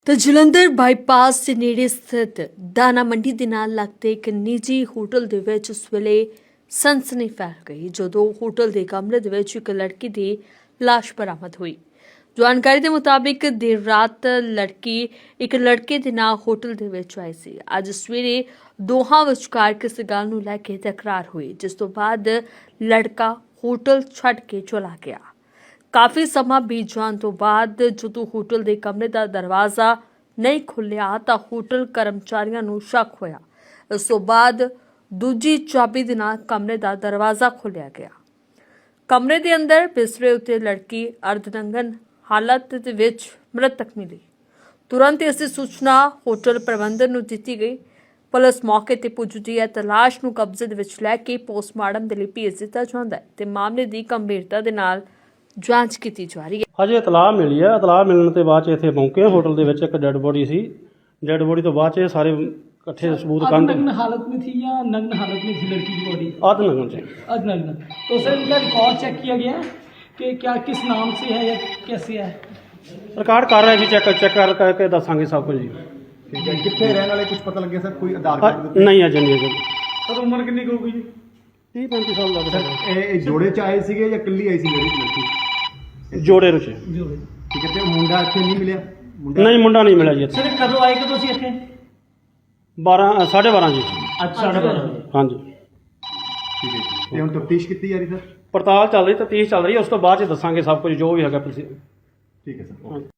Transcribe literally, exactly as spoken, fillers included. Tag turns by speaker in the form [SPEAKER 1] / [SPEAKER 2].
[SPEAKER 1] ਤਾਂ ਜਲੰਧਰ ਬਾਈਪਾਸ ਦੇ ਨੇੜੇ ਸਥਿਤ ਦਾਣਾ ਮੰਡੀ ਦੇ ਨਾਲ ਲੱਗਦੇ ਇੱਕ ਨਿੱਜੀ ਹੋਟਲ ਦੇ ਵਿੱਚ ਉਸ ਵੇਲੇ ਸਨਸਨੀ ਫੈਲ ਗਈ ਜਦੋਂ ਹੋਟਲ ਦੇ ਕਮਰੇ ਦੇ ਵਿੱਚ ਇੱਕ ਲੜਕੀ ਦੀ ਲਾਸ਼ ਬਰਾਮਦ ਹੋਈ। ਜਾਣਕਾਰੀ ਦੇ ਮੁਤਾਬਿਕ ਦੇਰ ਰਾਤ ਲੜਕੀ ਇੱਕ ਲੜਕੇ ਦੇ ਨਾਲ ਹੋਟਲ ਦੇ ਵਿੱਚ ਆਈ ਸੀ। ਅੱਜ ਸਵੇਰੇ ਦੋਹਾਂ ਵਿਚਕਾਰ ਕਿਸੇ ਗੱਲ ਨੂੰ ਲੈ ਕੇ ਤਕਰਾਰ ਹੋਈ, ਜਿਸ ਤੋਂ ਬਾਅਦ ਲੜਕਾ ਹੋਟਲ ਛੱਡ ਕੇ ਚਲਾ ਗਿਆ। ਕਾਫੀ ਸਮਾਂ ਬੀਤ ਜਾਣ ਤੋਂ ਬਾਅਦ ਜਦੋਂ ਹੋਟਲ ਦੇ ਕਮਰੇ ਦਾ ਦਰਵਾਜ਼ਾ ਨਹੀਂ ਖੁੱਲਿਆ ਤਾਂ ਹੋਟਲ ਕਰਮਚਾਰੀਆਂ ਨੂੰ ਸ਼ੱਕ ਹੋਇਆ। ਇਸ ਤੋਂ ਬਾਅਦ ਦੂਜੀ ਚਾਬੀ ਦੇ ਨਾਲ ਕਮਰੇ ਦਾ ਦਰਵਾਜ਼ਾ ਖੋਲ੍ਹਿਆ ਗਿਆ। ਕਮਰੇ ਦੇ ਅੰਦਰ ਬਿਸਤਰੇ ਉੱਤੇ ਲੜਕੀ ਅਰਧਨੰਗਨ ਹਾਲਤ ਦੇ ਵਿੱਚ ਮ੍ਰਿਤਕ ਮਿਲੀ। ਤੁਰੰਤ ਇਸ ਦੀ ਸੂਚਨਾ ਹੋਟਲ ਪ੍ਰਬੰਧਨ ਨੂੰ ਦਿੱਤੀ ਗਈ। ਪੁਲਿਸ ਮੌਕੇ ਤੇ ਪੁੱਜਦੀ ਹੈ ਤੇ ਲਾਸ਼ ਨੂੰ ਕਬਜ਼ੇ ਦੇ ਵਿੱਚ ਲੈ ਕੇ ਪੋਸਟਮਾਰਟਮ ਦੇ ਲਈ ਭੇਜ ਦਿੱਤਾ ਜਾਂਦਾ ਹੈ ਤੇ ਮਾਮਲੇ ਦੀ ਗੰਭੀਰਤਾ ਦੇ ਨਾਲ ਜਾਂਚ ਕੀਤੀ ਜਾ ਰਹੀ ਹੈ।
[SPEAKER 2] ਅਜੇ ਇਤਲਾਹ ਮਿਲੀ ਹੈ। ਇਤਲਾਹ ਮਿਲਣ ਤੋਂ ਬਾਅਦ 'ਚ ਇੱਥੇ ਪਹੁੰਚੇ। ਹੋਟਲ ਦੇ ਵਿੱਚ ਇੱਕ ਡੈੱਡ ਬੋਡੀ ਸੀ। ਡੈੱਡ ਬੋਡੀ ਤੋਂ ਬਾਅਦ 'ਚ ਇਹ ਸਾਰੇ इकट्ठे सबूत कांड
[SPEAKER 3] नग्न हालत में थी या नग्न हालत में थी लड़की की बॉडी?
[SPEAKER 2] आध नग्न से
[SPEAKER 3] अध नग्न। तो सर इनका रिकॉर्ड चेक किया गया कि क्या किस नाम से है या कैसे है?
[SPEAKER 2] रिकॉर्ड कर रहे हैं जी। चेक चेक कर करके दसांगे सब कुछ जी।
[SPEAKER 4] ठीक है। कितने रहने वाले कुछ पता लग गया सर? कोई आधार
[SPEAKER 2] अ,
[SPEAKER 4] कार्ड
[SPEAKER 2] नहीं अजय नहीं अजय
[SPEAKER 3] सर उम्र कितनी की होगी जी?
[SPEAKER 2] तीह पैंतीस साल लग
[SPEAKER 4] सर
[SPEAKER 2] सकते
[SPEAKER 4] ਇਹ ਜੋੜੇ ਚ ਆਏ ਸੀਗੇ ਜਾਂ ਇਕੱਲੀ ਆਈ ਸੀ ਮੇਰੀ ਲੜਕੀ?
[SPEAKER 2] जोड़े रुचे
[SPEAKER 3] जोड़े।
[SPEAKER 4] ਠੀਕ ਹੈ। ਤੇ ਮੁੰਡਾ ਇੱਥੇ ਨਹੀਂ ਮਿਲਿਆ? ਮੁੰਡਾ
[SPEAKER 2] नहीं मुंडा नहीं मिला जी इत्थे।
[SPEAKER 3] सर कदों आए कदों सी इत्थे?
[SPEAKER 2] बारह साढ़े बारह जी।
[SPEAKER 3] अच्छा साढ़े बारह।
[SPEAKER 2] हाँ जी।
[SPEAKER 4] ਠੀਕ ਹੈ। ਤੇ ਹੁਣ ਤਫਤੀਸ਼ ਕੀਤੀ ਜਾ ਰਹੀ ਸਰ?
[SPEAKER 2] पड़ताल चल रही, तफ्तीश चल रही है। उस तो बाद 'ਚ ਦੱਸਾਂਗੇ सब कुछ जो भी है।
[SPEAKER 4] ਠੀਕ ਹੈ ਸਰ।